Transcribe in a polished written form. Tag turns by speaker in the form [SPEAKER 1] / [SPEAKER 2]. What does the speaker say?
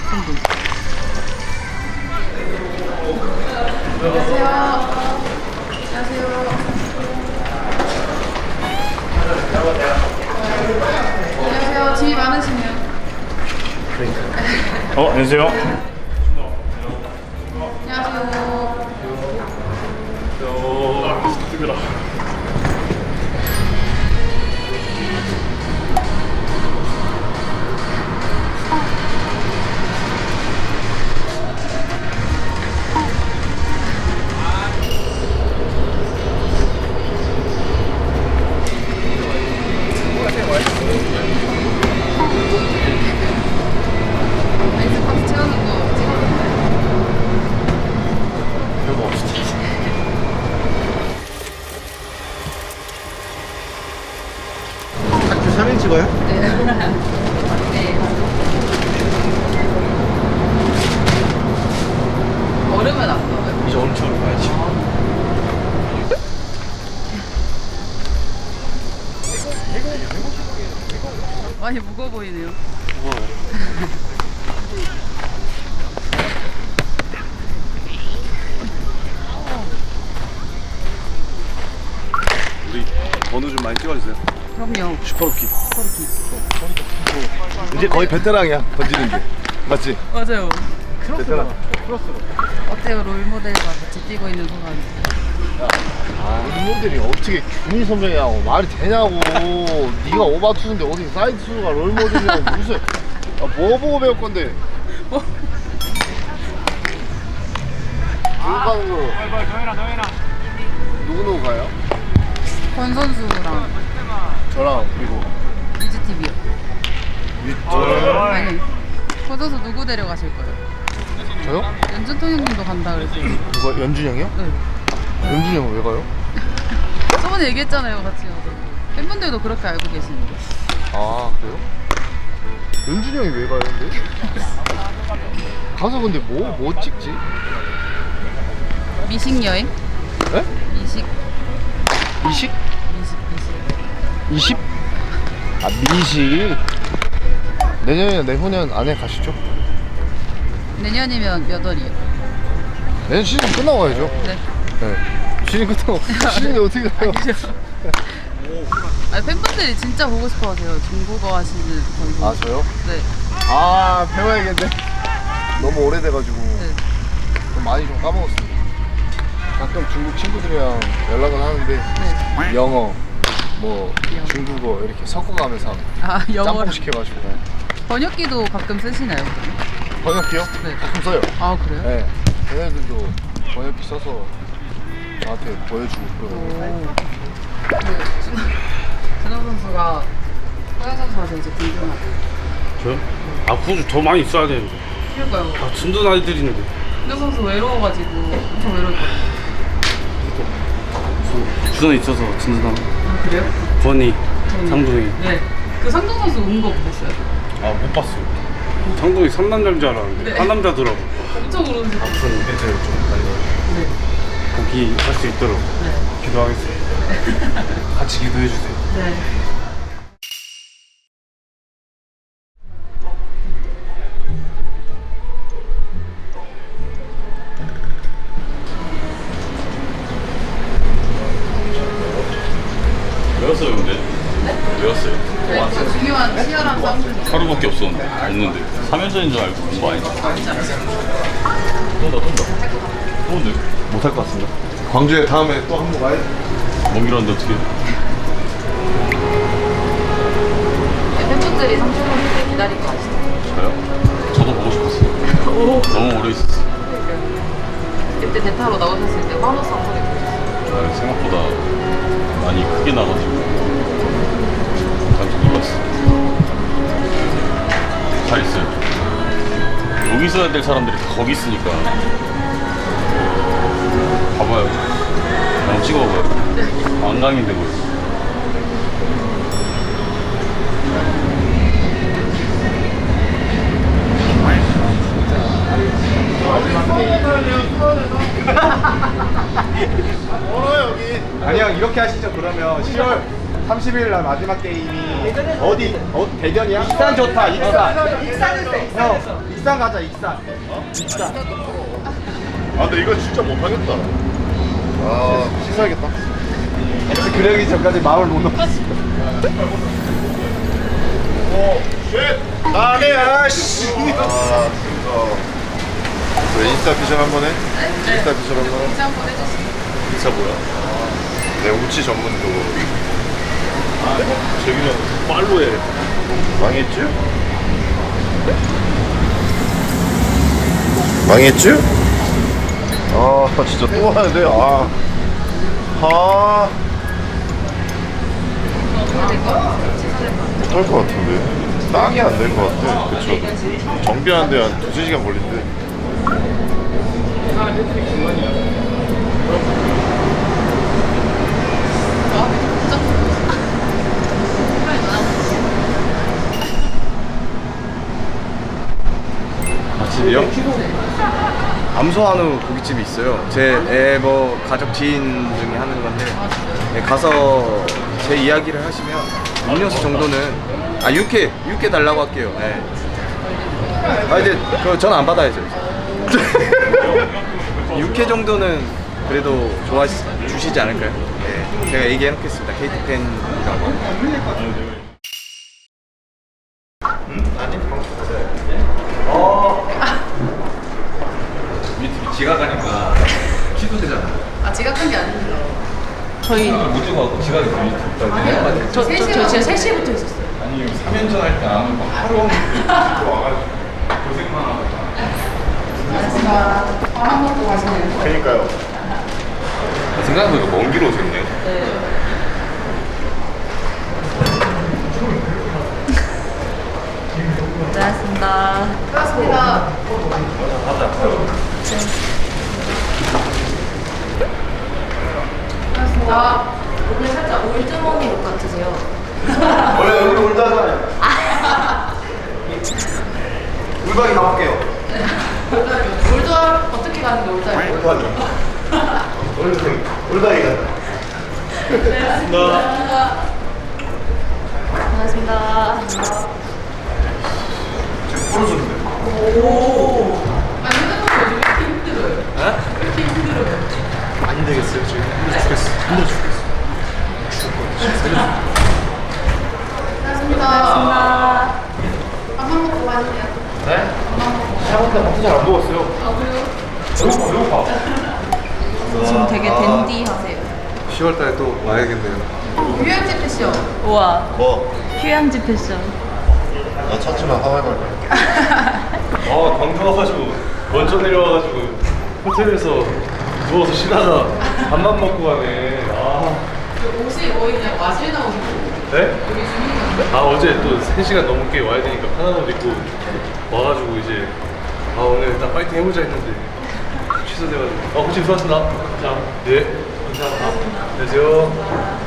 [SPEAKER 1] 선도. 안녕하세요. 안녕하세요. 짐이 많으시네요.
[SPEAKER 2] 안녕하세요.
[SPEAKER 1] 안녕하세요.
[SPEAKER 2] 뜨거라.
[SPEAKER 1] 아이스박스 채우는 거 찍어줬나요?
[SPEAKER 2] 별거 없어.
[SPEAKER 3] 학교 사진 찍어요?
[SPEAKER 1] 네. 네. 얼음은 안 넣어요?
[SPEAKER 3] 이제 엄청 가야지.
[SPEAKER 1] 많이 무거워 보이네요.
[SPEAKER 2] 우리 번호 좀 많이 찍어주세요.
[SPEAKER 1] 그럼요.
[SPEAKER 2] 슈퍼루키.
[SPEAKER 3] 이제 거의 베테랑이야 던지는 게. 맞지?
[SPEAKER 1] 맞아요.
[SPEAKER 3] 베테랑.
[SPEAKER 1] 어때요? 롤모델과 같이 뛰고 있는 소감이?
[SPEAKER 3] 롤모델이 어떻게 균이 선배냐고 말이 되냐고. 네가 오바투수인데 어디 사이드 투수가 롤모델이냐고. 무슨 뭐 보고 배울 건데?
[SPEAKER 1] 뭐?
[SPEAKER 3] 누구 가는 거? 누구 가요?
[SPEAKER 1] 권 선수랑
[SPEAKER 3] 저랑 그리고
[SPEAKER 1] 뮤즈TV요.
[SPEAKER 3] 저요?
[SPEAKER 1] 아니, 권 선수 누구 데려가실 거예요?
[SPEAKER 3] 저요?
[SPEAKER 1] 연준통 형님도 간다 그랬어요.
[SPEAKER 3] 누가 연준이 형이요?
[SPEAKER 1] 네.
[SPEAKER 3] 연준이 형은 왜 가요?
[SPEAKER 1] 저번에 얘기했잖아요, 같이 가서. 팬분들도 그렇게 알고 계시는데.
[SPEAKER 3] 아 그래요? 연준이 형이 왜 가요 근데? 가서 근데 뭐 찍지?
[SPEAKER 1] 미식 여행?
[SPEAKER 3] 에?
[SPEAKER 1] 미식,
[SPEAKER 3] 미식?
[SPEAKER 1] 미식.
[SPEAKER 3] 20? 아 미식 내년이나 내후년 안에 가시죠?
[SPEAKER 1] 내년이면 몇 월이요?
[SPEAKER 3] 내년 시즌 끝나고 가야죠.
[SPEAKER 1] 네.
[SPEAKER 3] 네. 시즌 끝나고 시즌이 어떻게 가요?
[SPEAKER 1] 아니, 팬분들이 진짜 보고 싶어 하세요. 중국어 하시는 선수.
[SPEAKER 3] 아 저요?
[SPEAKER 1] 네.
[SPEAKER 3] 아 배워야겠네. 너무 오래돼가지고
[SPEAKER 1] 네.
[SPEAKER 3] 좀 많이 좀 까먹었습니다. 가끔 중국 친구들이랑 연락은 하는데
[SPEAKER 1] 네.
[SPEAKER 3] 영어 뭐
[SPEAKER 1] 영어.
[SPEAKER 3] 중국어 이렇게 섞어가면서
[SPEAKER 1] 아, 영어로.
[SPEAKER 3] 짬뽕 시켜가지고
[SPEAKER 1] 번역기도 가끔 쓰시나요?
[SPEAKER 3] 번역기요?
[SPEAKER 1] 네.
[SPEAKER 3] 가끔 써요.
[SPEAKER 1] 아, 그래요?
[SPEAKER 3] 네. 걔네들도 번역기 써서 저한테 보여주고 그러고.
[SPEAKER 1] 오. 준호 선수가 호영 선수한테 이제 궁금하고.
[SPEAKER 2] 저요? 아, 굳이 더 많이 있어야 되는데.
[SPEAKER 1] 그러니까요.
[SPEAKER 2] 아, 든든 아이들이는데.
[SPEAKER 1] 준호 선수 외로워가지고 엄청 외로울 것 같아요.
[SPEAKER 2] 주변에 있어서 든든함.
[SPEAKER 1] 아, 그래요?
[SPEAKER 2] 권희, 상동이.
[SPEAKER 1] 네. 그 상동 선수 온 거 보셨어요?
[SPEAKER 2] 아, 못 봤어요. 상동이 3남자인 줄 알았는데.
[SPEAKER 1] 네.
[SPEAKER 2] 한 남자더라고.
[SPEAKER 1] 엄청 울으시고.
[SPEAKER 3] 아픈 이벤트를 좀 달려.
[SPEAKER 1] 네.
[SPEAKER 2] 거기 할 수 있도록
[SPEAKER 1] 네.
[SPEAKER 2] 기도하겠습니다.
[SPEAKER 3] 같이 기도해 주세요.
[SPEAKER 1] 네.
[SPEAKER 4] 외웠어요 근데? 외웠어요.
[SPEAKER 1] 네, 그 중요한 치열한 싸움.
[SPEAKER 4] 하루밖에 없는데 3연전인 줄 알고 공부 안 했죠. 또
[SPEAKER 3] 못할 것 같습니다. 광주에 다음에 또 한 번 와야지.
[SPEAKER 4] 먼 길었는데 어떻게
[SPEAKER 1] 네, 팬분들이 상동 선수 기다릴 거 아시죠?
[SPEAKER 4] 저요? 저도 보고 싶었어요. 너무 오래 있었어요.
[SPEAKER 1] 그때 대타로 나오셨을 때 환호성 소리 들으셨어요.
[SPEAKER 4] 아, 생각보다 많이 크게 나가지고 깜짝 놀랐어요. 잘 있어요. 여기 있어야 될 사람들이 다 거기 있으니까 봐봐요. 한번 찍어봐요. 안강인데 뭐.
[SPEAKER 5] 아니요 이렇게 하시죠. 그러면 10월 30일 날 마지막 게임이 어디 대전이야? 익산 좋다. 익산. 익산에서. 익산 가자 익산.
[SPEAKER 3] 아 근데 이건 진짜 못하겠다. 아 씻어야겠다.
[SPEAKER 5] 그러기 전까지 마음을 못 놓았어.
[SPEAKER 3] 오 쉣. 나네야 씨. 아 진짜. 저 인스타 피셜 한번 해? 인스타 피셜 한번 해?
[SPEAKER 1] 인사 한번 해주세요.
[SPEAKER 3] 인스타 뭐야? 내 우치 전문적으로.
[SPEAKER 4] 저기는 빨로 해.
[SPEAKER 3] 망했지? 망했지? 아 진짜 또 하는데 못할 것 같은데 땅이 안 될 것 같아. 그쵸? 정비하는데 한 2-3시간 걸린대.
[SPEAKER 5] 맛집이요? 암소한우 고깃집이 있어요. 제 뭐 가족 지인 중에 하는 건데 네, 가서 제 이야기를 하시면 음료수 정도는 육회 달라고 할게요. 네. 아 이제 전 안 받아야죠. 육회 정도는 그래도 주시지 않을까요? 네. 제가 얘기해 놓겠습니다. KT 팬이라고. 지각하니까 취소되잖아.
[SPEAKER 1] 아 지각한 게 아니에요. 저희
[SPEAKER 5] 무주가 지각이 유튜브.
[SPEAKER 1] 저 진짜 3시부터 있었어요.
[SPEAKER 5] 아니 3년 전 할 때 아무 막 하루 와가지고 고생만 하고.
[SPEAKER 1] 알겠습니다. 밥한 먹고 가시네요.
[SPEAKER 3] 그러니까요.
[SPEAKER 5] 생각해보니까 먼 길 오셨네.
[SPEAKER 1] 네.
[SPEAKER 6] 고생하셨습니다.
[SPEAKER 1] 고맙습니다. 고맙습니다.
[SPEAKER 6] 오늘 살짝 올드머니 룩 같으세요.
[SPEAKER 5] 원래 얼굴 올다잖아요. 울박이 가볼게요.
[SPEAKER 1] 올드월 어떻게 가는 게 올드월?
[SPEAKER 5] 울박이 가.
[SPEAKER 6] 고생하셨습니다.
[SPEAKER 5] 풀어줬는데.
[SPEAKER 1] 아니 핸드폰 요즘 이렇게 힘들어요. 왜 이렇게 힘들어요?
[SPEAKER 5] 안 되겠어요. 지금 힘들어 죽겠어. 힘들어 죽겠어.
[SPEAKER 1] 고맙습니다. 밥만 먹고 가시네요.
[SPEAKER 5] 네? 생각보다 밥도 잘 안 먹었어요.
[SPEAKER 1] 아 그래요?
[SPEAKER 5] 배고파.
[SPEAKER 6] 지금 되게 댄디하세요.
[SPEAKER 5] 10월달에 또 와야겠네요.
[SPEAKER 1] 휴양지 패션.
[SPEAKER 6] 우와.
[SPEAKER 3] 뭐?
[SPEAKER 6] 휴양지 패션.
[SPEAKER 3] 나 찾지만 하와이 갈 거야.
[SPEAKER 4] 광주 와가지고 먼저 내려와가지고 호텔에서 누워서 쉬다가 밥만 먹고 가네.
[SPEAKER 1] 옷이 거의 그냥 와실 나오고
[SPEAKER 4] 네?
[SPEAKER 1] 여기 주민가.
[SPEAKER 4] 어제 또 3시간 넘게 와야 되니까 편한 옷 입고 와가지고 이제 오늘 일단 파이팅 해보자 했는데 취소돼가지고. 호칭 수고하셨습니다. 자, 네. 감사합니다. 안녕하세요.